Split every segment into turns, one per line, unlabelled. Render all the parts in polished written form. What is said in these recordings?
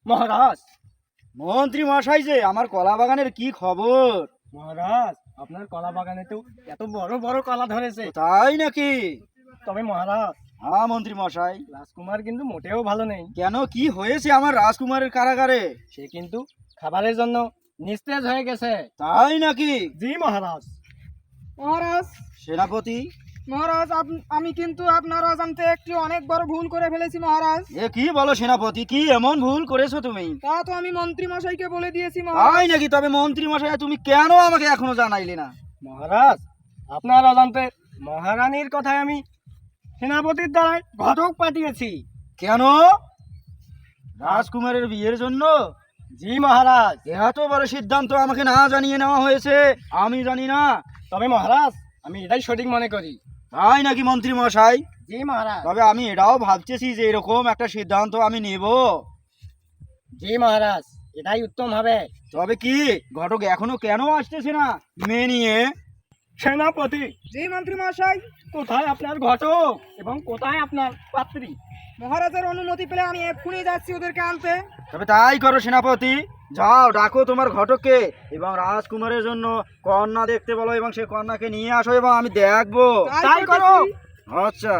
মহারাজ।
মন্ত্রী মশাই যে, আমার কলা বাগানের কি খবর?
মহারাজ, আপনার কলা বাগানে তো এত বড় বড় কলা ধরেছে।
তাই নাকি?
তবে মহারাজ,
হ্যাঁ মন্ত্রী মশাই।
রাজকুমার কিন্তু মোটেও ভালো নেই।
কেন, কি হয়েছে আমার রাজকুমারের কারাগারে?
সে কিন্তু খাবারের জন্য নিস্তেজ হয়ে গেছে।
তাই নাকি?
জি মহারাজ।
মহারাজ,
সেনাপতি,
মহারাজ, আমি কিন্তু আপনার অজান্তে একটি অনেক বড় ভুল করে ফেলেছি মহারাজ।
এ কি বলো সেনাপতি, কি এমন ভুল করেছো তুমি?
তা তো আমি মন্ত্রী মশাইকে বলে দিয়েছি মহারাজ।
তাই নাকি? তবে মন্ত্রী মশাই তুমি কেন আমাকে এখনো জানাইলে না?
মহারাজ, আপনার অজান্তে মহারানীর কথায় আমি সেনাপতির দ্বারাই ঘটক পাঠিয়েছি।
কেন? রাজকুমারের বিয়ের জন্য?
জি মহারাজ।
এত বড় সিদ্ধান্ত আমাকে না জানিয়ে নেওয়া হয়েছে, আমি জানি না।
তবে মহারাজ, আমি এটাই সঠিক মনে করি।
তাই নাকি মন্ত্রী মশাই?
জি মহারাজ।
তবে আমি এটাও ভাবতেছি যে এরকম একটা সিদ্ধান্ত আমি নেব।
জি মহারাজ, এটাই উত্তম হবে।
তবে কি ঘটক এখনো কেন আসতেছে না মেয়ে নিয়ে?
সেনাপতি,
জি মন্ত্রী মশাই।
কোথায় আপনার ঘটক এবং কোথায় আপনার পাত্রী?
মহারাজের অনুমতি পেলে আমি এক্ষুনি যাচ্ছি ওদেরকে আনতে।
তবে তাই করো সেনাপতি, যাও ডাকো তোমার ঘটককে এবং রাজকুমারের জন্য কন্যা দেখতে বলো এবং সে কন্যাকে নিয়ে আসো এবং আমি দেখবো।
তাই করো।
আচ্ছা,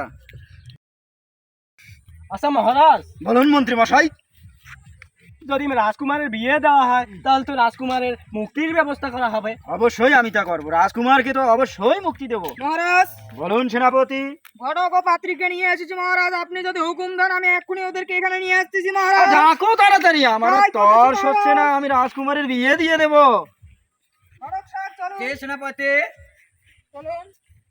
আচ্ছা মহারাজ,
বলুন মন্ত্রী মশাই।
যদি রাজকুমারের বিয়ে দেওয়া হয় তাহলে তো রাজকুমারের মুক্তির ব্যবস্থা করা হবে।
অবশ্যই আমি তা করবো, রাজকুমারকে তো অবশ্যই মুক্তি দেবো।
মহারাজ,
বলুন সেনাপতি।
ঘটক ও পাত্রীকে নিয়ে এসেছি মহারাজ। আপনি যদি হুকুম দেন আমি এক্ষুনি ওদেরকে এখানে নিয়ে আসতেছি মহারাজ।
ডাকো তাড়াতাড়ি, আমার
তাই তো
তর
বলছি
হচ্ছে না,
মহারাজ।
আমি রাজকুমারের বিয়ে দিয়ে দেবো।
ঘটক সাহেব চলুন।
সেনাপতি।
চলুন।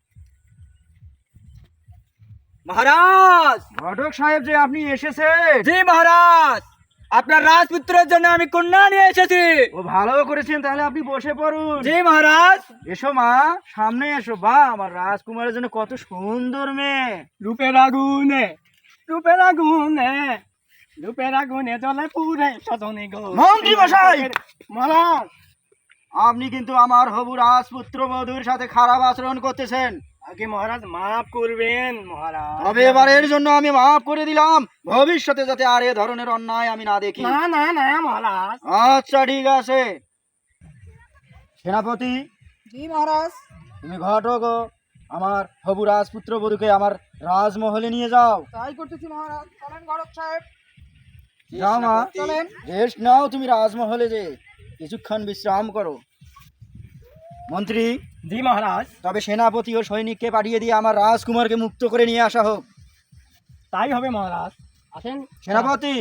মহারাজ।
ঘটক সাহেব যে আপনি এসেছে।
জি মহারাজ, আপনার রাজপুত্রের জন্য আমি কন্যা নিয়ে এসেছি।
ও ভালো করেছেন, তাহলে আপনি বসে পড়ুন।
জি মহারাজ।
এসো মা, সামনে এসো। বা আমার রাজকুমারের জন্য কত সুন্দর মেয়ে।
রূপের আগুনে, রূপের আগুনে, রূপের আগুনে জ্বলে পুরে সজনে গো।
মন্ত্রী মশাই!
মহারাজ,
আপনি কিন্তু আমার হবু রাজপুত্র বধূর সাথে খারাপ আচরণ করতেছেন।
আগে মহারাজ মাফ করবেন মহারাজ।
তবে এবারের জন্য আমি মাফ করে দিলাম, ভবিষ্যতে যাতে আর এ ধরনের অন্যায় আমি না দেখি।
না না না মহারাজ।
আচ্ছা ঠিক আছে। সেনাপতি,
জি মহারাজ।
তুমি ঘটক ও আমার হবু রাজপুত্র বধূকে আমার রাজমহলে নিয়ে যাও।
তাই করতেছি মহারাজ। চলেন ঘটক সাহেব।
যাও মা,
চলেন।
রেস্ট নাও তুমি রাজমহলে, যে কিছুক্ষণ বিশ্রাম করো। মন্ত্রী,
জি মহারাজ।
তবে সেনাপতি ও সৈনিককে পাঠিয়ে দিয়ে আমার রাজকুমারকে মুক্ত করে নিয়ে আসা হোক।
তাই হবে মহারাজ। আসেন
সেনাপতি।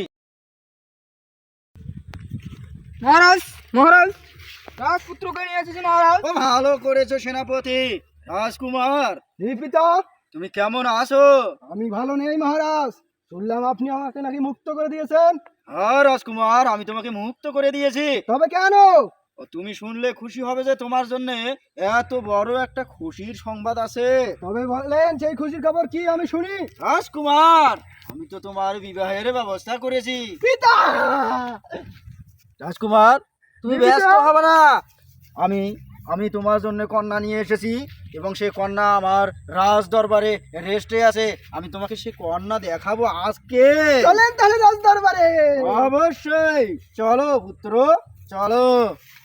মহারাজ, মহারাজ, রাজপুত্রকে নিয়ে এসেছি মহারাজ।
ও ভালো করেছো সেনাপতি। রাজকুমার,
পিতা,
তুমি কেমন আছো?
আমি ভালো নেই মহারাজ। শুনলাম আপনি আমাকে নাকি মুক্ত করে দিয়েছেন।
হ্যাঁ রাজকুমার, আমি তোমাকে মুক্ত করে দিয়েছি।
তবে কেন?
ও তুমি শুনলে খুশি হবে যে তোমার জন্য এত বড় একটা খুশির সংবাদ আছে।
তবে বলেন সেই খুশির খবর কি, আমি শুনি।
রাজকুমার, আমি তো তোমার বিবাহের ব্যবস্থা করেছি।
পিতা,
রাজকুমার, তুমি
পিতা!
ব্যস্ত হবে না। আমি আমি তোমার জন্য কন্যা নিয়ে এসেছি এবং সে কন্যা আমার রাজ দরবারে রেস্টে আছে। আমি তোমাকে সে কন্যা দেখাবো আজকে।
চলেন তাহলে রাজ দরবারে।
অবশ্যই, চলো পুত্র, চলো।